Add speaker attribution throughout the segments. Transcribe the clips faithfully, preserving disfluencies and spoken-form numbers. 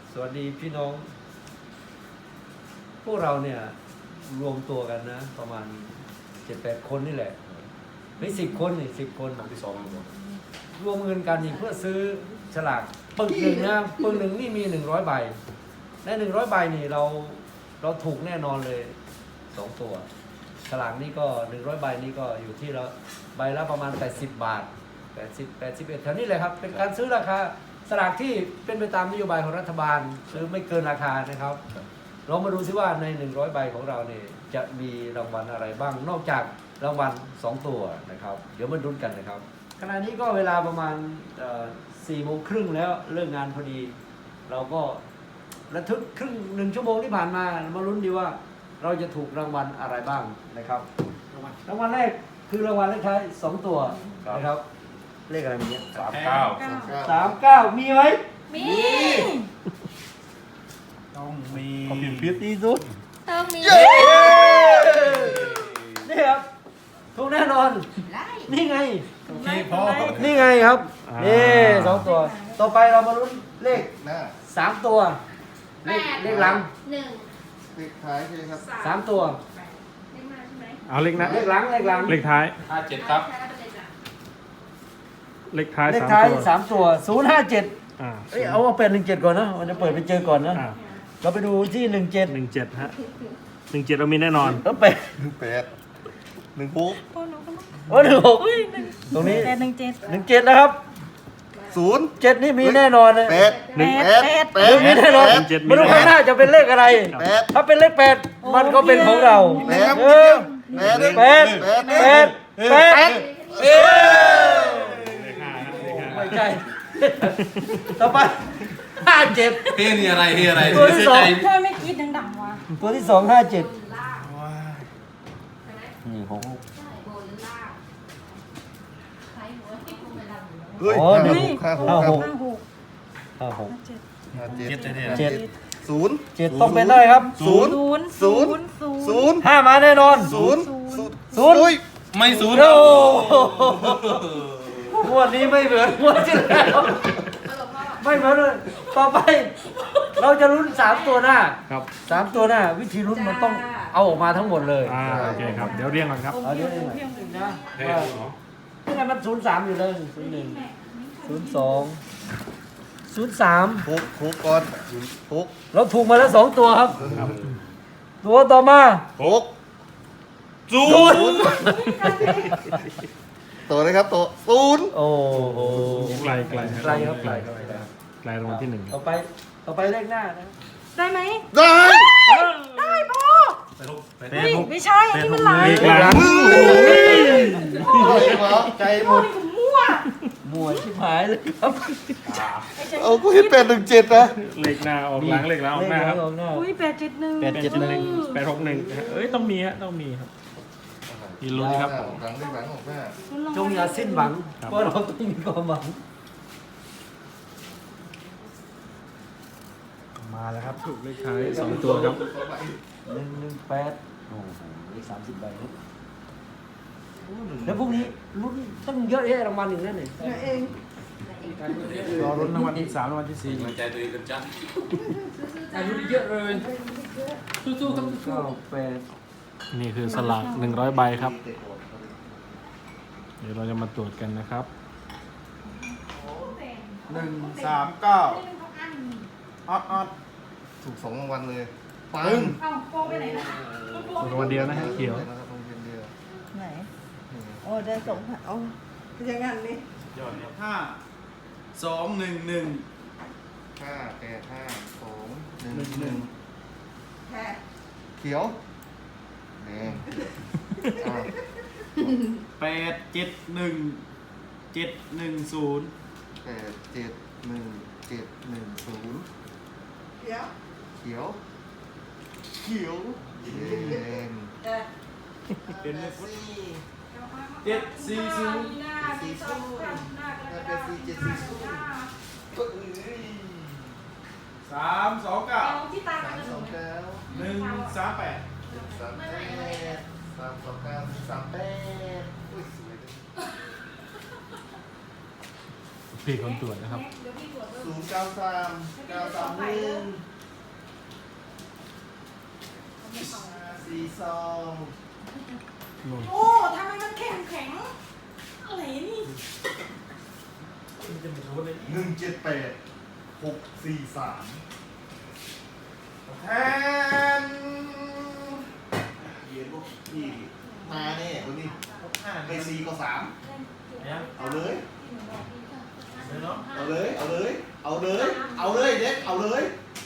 Speaker 1: สวัสดีพี่น้องพวกเราเนี่ยรวมตัวกันนะประมาณเจ็ดแปดคนนี่แหละไม่สิบคนนี่สิบคนที่สองรวมเงินกันอีกเพื่อซื้อฉลากปึกหนึ่งนะปึกหนึ่งนี่มีหนึ่งร้อยใบในหนึ่งร้อยใบนี่เราเราถูกแน่นอนเลยสองตัวฉลากนี่ก็หนึ่งร้อยใบนี่ก็อยู่ที่เราใบละประมาณแปดสิบบาทแปดสิบ แปดสิบเอ็ดแถวนี้เลยครับเป็นการซื้อราคาสลากที่เป็นไปตามนโยบายของรัฐบาลซื้อไม่เกินราคานะครับเรามาดูซิว่าในหนึ่งร้อยใบของเราเนี่ยจะมีรางวัลอะไรบ้างนอกจากรางวัลสองตัวนะครับเดี๋ยวมาลุ้นกันนะครับขณะนี้ก็เวลาประมาณสี่โมงครึ่งแล้วเลิกงานพอดีเราก็ระทึกครึ่งหนึ่งชั่วโมงที่ผ่านมามาลุ้นดีว่าเราจะถูกรางวัลอะไรบ้างนะครับรางวัลแรกคือรางวัลเลขท้ายสองตัวนะครับเลขอะไรมีเนี่ย
Speaker 2: สามเก้า
Speaker 1: สามเก้ามีไหม
Speaker 3: มี
Speaker 2: ต้องมี
Speaker 1: ขอบคุณพิษที่สุด
Speaker 3: ต้องมี
Speaker 1: นี่ครับถูกแน่นอน
Speaker 3: ไล่
Speaker 1: นี่ไง
Speaker 2: โอเคพอ
Speaker 1: นี่ไงครับนี่สองตัว ต่อไปเรามาลุ้นเลข
Speaker 4: หน้า
Speaker 1: สามตัวเลขเลขหลัง
Speaker 3: หนึ่ง
Speaker 4: เลขท้ายใช่ไหมครับ
Speaker 1: สามตัว
Speaker 3: เลขมาใช่ไหม
Speaker 5: เอาเลขนะ
Speaker 1: เลขหลังเลขหลัง
Speaker 5: เลขท้าย
Speaker 2: ห้าเจ็ดครับ
Speaker 5: เลขท้าย
Speaker 1: เลข
Speaker 5: สาม
Speaker 1: ท้าย
Speaker 5: ตัว
Speaker 1: สามตัวศูนย์ห้าเจ็ด
Speaker 5: อ่า
Speaker 1: เอ้ยเอาว่าเป็นหนึ่งเจ็ดก่อนนะมันจะเปิดไปเจอก่อนนะ
Speaker 5: อ่า
Speaker 1: เราไปดูที่หนึ่งเจ็ด
Speaker 5: หนึ่งเจ็ดฮะหนึ่งเจ็ดเรามีแน่นอน
Speaker 1: แล้วเป็ด
Speaker 4: หนึ่งแปดหนึ่งหก
Speaker 1: โอ้หนึ่งหกตรงนี้
Speaker 3: แปดหนึ่งเจ็ด
Speaker 1: หนึ่งเจ็ดนะครับ
Speaker 4: ศูนย์
Speaker 1: เจ็ดนี่มีแน่นอนเลย
Speaker 4: แปด
Speaker 5: หนึ่ง
Speaker 4: แปดแป
Speaker 1: หนึ่
Speaker 4: ด
Speaker 1: งมีแน่นอน
Speaker 5: หนึ่งเจ็ดมี
Speaker 1: ไม่รู้
Speaker 5: แน่
Speaker 1: ข้างหน้าจะเป็นเลขอะไร
Speaker 4: แปด
Speaker 1: ถ้าเป็นเลขแปดมันก็เป็นของเรา
Speaker 4: แปด
Speaker 1: เออ
Speaker 4: แปด
Speaker 1: แปดแปดแปดเอ้ย
Speaker 5: เลขห้าฮะเลขห้า
Speaker 1: ไม่ใช่ ต่อไปห้าเจ็ด
Speaker 2: เฮ้ยนี่อะไรเฮ้ยอะไร
Speaker 1: ตัวที่สอง
Speaker 3: เธอไม่คิดดังๆวะ
Speaker 1: ตัวที่สองห้าเจ็ดนี่ของ
Speaker 4: เฮ้ย
Speaker 1: อ๋อ
Speaker 4: ห้า
Speaker 1: นี่
Speaker 4: หกห้าหก
Speaker 1: ห้าหก
Speaker 3: ห้าหก
Speaker 1: ห้าหก
Speaker 4: ห้าเจ็ด
Speaker 2: เจ็ดเจ็ด
Speaker 1: เจ็ด
Speaker 4: ศูนย์
Speaker 1: เจ็ดต้องเป็นได้ครับ
Speaker 4: ศูนย์
Speaker 3: ศูนย์
Speaker 4: ศูนย์
Speaker 3: ศูนย์
Speaker 4: ศูนย์
Speaker 1: ห้ามาแน่นอน
Speaker 4: ศูนย์ศูนย์
Speaker 1: ศูนย์
Speaker 4: อุ้ย
Speaker 2: ไม่ศูนย์
Speaker 1: โอ้งวดนี้ไม่เหมือนงวดที่แล้วไม่เหมือนเลยต่อไป เราจะลุ้นสามตัวหน้า
Speaker 5: ครับ
Speaker 1: สามตัวหน้า วิธีลุ้นมันต้องเอาออกมาทั้งหมดเลย
Speaker 5: อ่าโอเคครับเดี๋ยวเรียงก่อนครับ
Speaker 1: เอาเดี๋ยวนี้นะว่านี่ไงมันศูนย์สามอยู่เลยศูนย์หนึ่งศูนย์สองศูนย์สาม
Speaker 4: หกหกก่อนหก
Speaker 1: เราถูกมาแล้วสองตัวครับ
Speaker 5: ครับ
Speaker 1: ตัวต่อมา
Speaker 4: หก
Speaker 2: ศูนย์
Speaker 4: ตัวเลยครับตัวศูนย์
Speaker 1: โอ้โห
Speaker 5: ไกลไกลฮะ
Speaker 1: ไกลครับไกลไกล
Speaker 5: ไกลรางวัลที่หนึ่ง
Speaker 1: ต่อไปต่อไปเลขหน้านะ
Speaker 3: ได้ไหม
Speaker 4: ได้
Speaker 3: ได้พอ
Speaker 2: ไปลูกไป
Speaker 5: แป
Speaker 3: เฮ้
Speaker 5: ด
Speaker 3: ย
Speaker 5: หก
Speaker 3: ไม่ใช่อันนี้มันลาย
Speaker 5: เลขหลัง
Speaker 4: ใจหม
Speaker 3: มั่ว
Speaker 4: ด
Speaker 3: นี่ผมมั่ว
Speaker 1: มวยชิบหายเลยครับ
Speaker 4: เอากูเห็นแปดหนึ่งเจ็ดนะ
Speaker 5: เลขหน้าออกหลังเลขหลังออกหน้าครับ
Speaker 1: เลขหน้า
Speaker 3: อุ้ยแปดเจ็ดหนึ่ง
Speaker 1: แปดเจ็ดหนึ่ง
Speaker 5: แปดหกหนึ่งเอ้ยต้องมีฮะต้องมีครับมีลุ้นครับ
Speaker 4: หลังเลขหลังออกหน้า
Speaker 1: จงอย่าสิ้นหวังเพราะเราต้องมีความหวัง
Speaker 5: มาแล้วครับถูกเลขท้ายสองตัวครับ
Speaker 1: หนึ่งหนึ่งแปดโอ้โหสามสิบใบครับแล้วพวกนี้ลุ้นตั้งเยอะแยะรางวัลอย่างนั้นเลย
Speaker 5: รอลุ้นรางวัลที่สามรางวัลที่สี่
Speaker 2: มันใจตัวเองกันจัง
Speaker 1: อายุเยอะเลยสู้ๆครับเก้าแปด
Speaker 5: นี่คือสลากหนึ่งร้อยใบครับ เดี๋ยวเราจะมาตรวจกันนะครับ
Speaker 4: หนึ่งสามเก้าออดออดถูกสองรางวัลเลยปัง
Speaker 3: เอ้าโป้ไปไหนนะ
Speaker 5: รางวัลเดียวนะฮะเขียว
Speaker 4: นะครับโรงเรียนเดียว
Speaker 6: ไหน โอ้ได้สองพันโอ้ยังงั้นนี่
Speaker 2: ห้าสองหนึ่งหนึ่ง
Speaker 4: ห้าแปดห้าสองหนึ่งหนึ่ง
Speaker 6: แค่
Speaker 4: เขียวแดงอ้าว
Speaker 2: แปดเจ็ดหนึ่งเจ็ดหนึ่งศูนย์
Speaker 4: แปดเจ็ดหนึ่งเจ็ดหนึ่งศูนย์
Speaker 6: เดี๋ยว
Speaker 4: เขียว เขียวแดง
Speaker 6: แต่
Speaker 2: เป็น
Speaker 6: แต่สี่
Speaker 2: เจ็ดสี่ศูนย์
Speaker 4: สี่ศูนย์ถ้าเป็นสี่เจ็ดสี่ศูนย์ก็เอ้ย
Speaker 2: สามสองเก้า
Speaker 3: ที่ตา
Speaker 4: สามสองเก้า
Speaker 2: หนึ่งสามแปด
Speaker 4: สามแปดสามสองเก้าสามแปดอุ้ยสวยเลย
Speaker 5: พี่คนตรวจนะครับ
Speaker 4: ศูนย์เก้าสามเก้าสามหนึ่งซอง
Speaker 3: โอ้ทำไมมันแข็งแข็งอะไรนี่
Speaker 4: หนึ่งเจ็ดแปดหกสี่สามแทนเย็นพวกพี่มาแน่คนนี้ไม่สี่ก็สามเอาเลยเอาเลยเอาเลยเอาเลยเอาเลยเด็กเอาเลย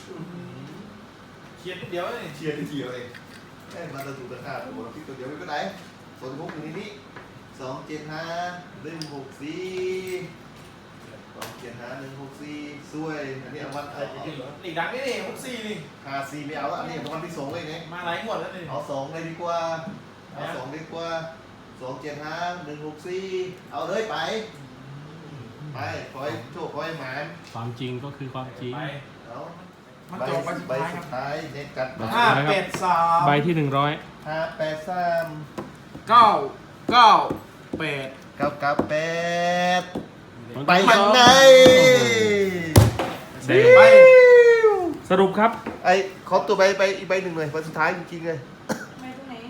Speaker 4: เชียร์นิดเดียวเลยเชียร์นิดเดียวเองแค่มาตะถูกตะขาดแต่บอกพี่ตัวเดียวไม่ก็ได้ส่วนพวกนี้นี่สองเจ็ดห้าหนึ่งหกสี่สองเจ็ดห้าหนึ่งหกสี่สวยอันนี้เอาวันเอา
Speaker 7: หลีกดังนี่นี่หกสี่นี่
Speaker 4: หาสี่ไม่เอาแล้วอันนี้เอาวันที่สองเลยไง
Speaker 7: มาหลายงวดแล้วนี่
Speaker 4: เอาสองเลยดีกว่าเอาสองดีกว่าสองเจ็ดห้าหนึ่งหกสี่เอาเลยไปไปคอยโชคคอยหมาน
Speaker 5: ความจริงก็คือความจริง
Speaker 7: ไป
Speaker 4: เอา
Speaker 7: มัน
Speaker 4: ใบ
Speaker 7: จบไปสุด
Speaker 4: ใบ
Speaker 7: ท้ายค
Speaker 4: สุ
Speaker 7: รับ
Speaker 4: ดท้ายเน็ตกัด
Speaker 7: ห้าแปดสาม
Speaker 5: ใบที่หนึ่งร้อย
Speaker 4: ห้าแปดสาม
Speaker 7: เก้าเก้าแปด
Speaker 4: เก้าเก้าแปดไปยังไง
Speaker 5: แดงไปสรุปครับ
Speaker 4: ไอ้ขอตัวใบไปอีกใบหนึ่งเลยใบสุดท้ายจริงๆเลย
Speaker 3: ไม่ตรงไหน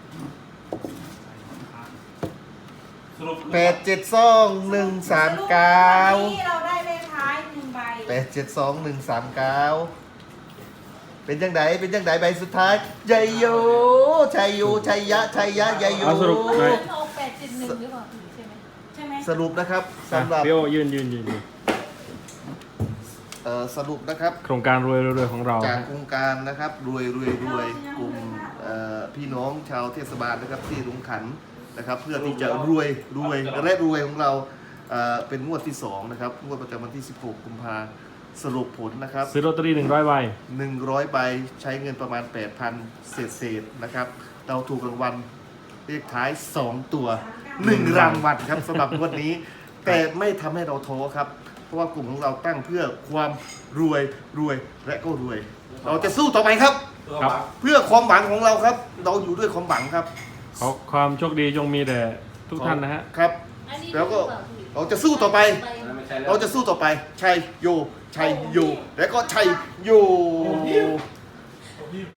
Speaker 7: สรุป
Speaker 4: แปดเจ็ดสองหนึ่งสามเก้า
Speaker 3: วันนี้เราได้เลขท้ายหนึ่งใบ
Speaker 4: แปดเจ็ดสองหนึ่งสามเก้าเป็นยังไงเป็นยังไงใบสุดท้ายชัยโยชัยโยชัยยะชัยยะยัยโย
Speaker 5: เอาสรุปหน่อย
Speaker 6: เอาแปดเจ็ดหนึ่งหรือเปล่าใช่ไหม
Speaker 3: ใช่ไหม
Speaker 4: สรุปนะครับสำหรับ
Speaker 5: พี่โอยืนยืนยืนยืน
Speaker 4: เอ่อสรุปนะครับ
Speaker 5: โครงการรวยรวยของเรา
Speaker 4: จาก
Speaker 5: ฮะ
Speaker 4: โครงการนะครับรวยรวยรวยกลุ่มเอ่อพี่น้องชาวเทศบาลนะครับที่ลงขันนะครับ เพื่อที่จะรวยรวยและรวยของเราเอ่อเป็นงวดที่สองนะครับงวดประจำวันที่สิบหกกุมภาสรุปผลนะครับ
Speaker 5: ซื้อลอตเตอรี่หนึ่งร้อยใบ
Speaker 4: หนึ่งร้อยใบใช้เงินประมาณ แปดพัน เศษเศษๆนะครับ เราถูกรางวัลเลขท้าย สอง ตัวหนึ่งรางวัลครับสำหรับงวดนี้ แต่ไม่ทำให้เราท้อครับ เพราะว่ากลุ่มของเราตั้งเพื่อความรวยรวยและก็รวย เราจะสู้ต่อไปครับ
Speaker 5: ครับ
Speaker 4: เพื่อความหวังของเราครับ เราอยู่ด้วยความหวังครับ
Speaker 5: ขอความโชคดีจงมีแด่ทุกท่านนะฮะ
Speaker 4: ครับ
Speaker 6: อันนี้
Speaker 4: แล้วก็
Speaker 6: หรือเปล่าพี่
Speaker 4: เราจะสู้ต่อไป
Speaker 6: ใบ
Speaker 4: เราจะสู้ต่อไปชัยโยชัยโยและก็ชัยโย